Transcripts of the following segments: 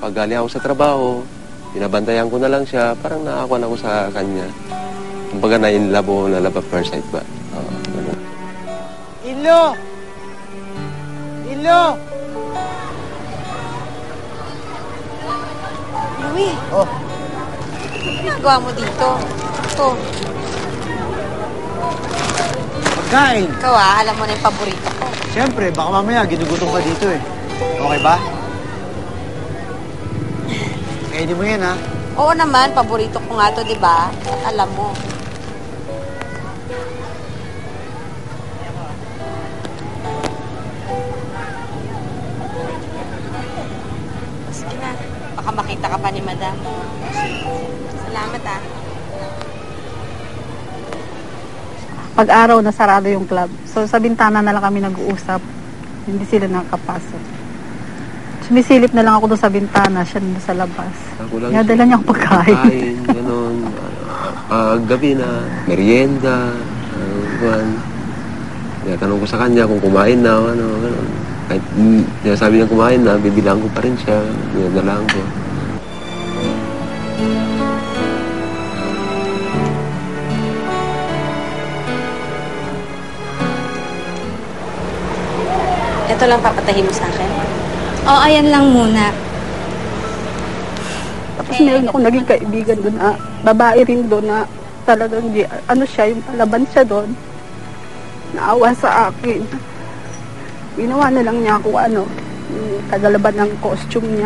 pag galing ako sa trabaho, binabantayan ko na lang siya, parang nakakuan ako sa kanya. Kumbaga na-inlove o na-love at first sight ba? Ganun. Ilo! Ilo! Louie, Oh, ano ginagawa mo dito? Ito, pagkain. ikaw alam mo na yung paborito ko. Siyempre, baka mamaya ginugutom ka dito eh. Okay ba? Kainin mo yan, ha? Oo naman, paborito ko nga to, di ba? At alam mo. Sige na, baka makita ka pa ni Madam. Salamat Pag-araw na sarado yung club. So sa bintana na lang kami nag-uusap. Hindi sila nakapasok. Sumisilip na lang ako doon sa bintana, siya doon sa labas. Dala niya akong pagkain. Gano'n. Gabi na, merienda, tanong ko sa kanya kung kumain na, gano'n. Kahit sabi niya kumain na, bibilang ko pa rin siya. Dinadalaan ko. Ito lang papatahin mo sa akin. Oo, ayan lang muna. Tapos meron ako naging kaibigan doon na babae rin doon na talagang yung palaban siya doon. Naawa sa akin. Ginawa na lang niya ako yung kagalaban ng costume niya.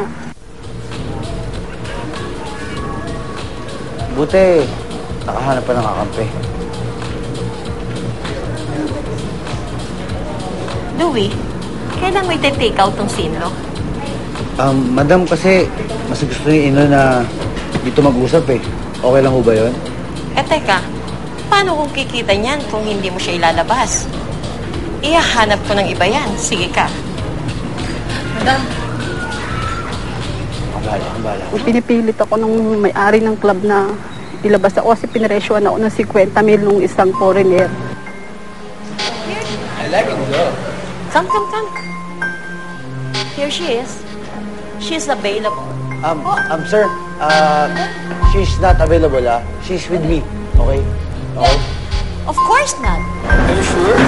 Buti, nakahanap pa ng kakampi. Louie, kailan mo iti-take out tong sinlo? Madam, kasi mas gusto niya ino na dito mag-usap eh. Okay lang ho ba yun? Teka, paano kung kikita niyan kung hindi mo siya ilalabas? Ihahanap ko ng iba yan. Sige ka. Madam. Ang bala. Pinipilit ako nung may-ari ng club na ilabas ako kasi pinaresyoan ako ng 50,000 nung isang foreigner. I like it, though. Come. Here she is. She's available. Sir, she's not available, ah. She's with me, okay? Okay? Of course not. Are you sure?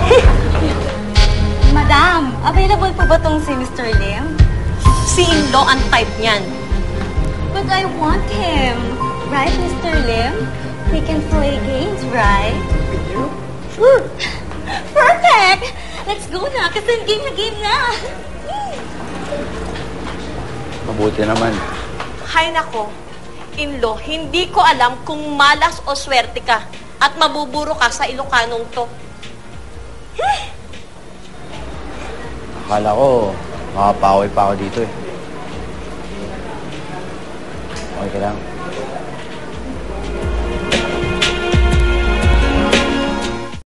Madam, available po ba tong si Mr. Lim? Si Inlo ang type niyan. But I want him. Right, Mr. Lim? We can play games, right? With you? Sure. Perfect! Let's go na, kasi game na. Mabuti naman. Hay nako, Inlo, hindi ko alam kung malas o swerte ka at mabuburo ka sa Ilocanong to. Akala ko, makapaway pa ako dito eh. Okay ka lang?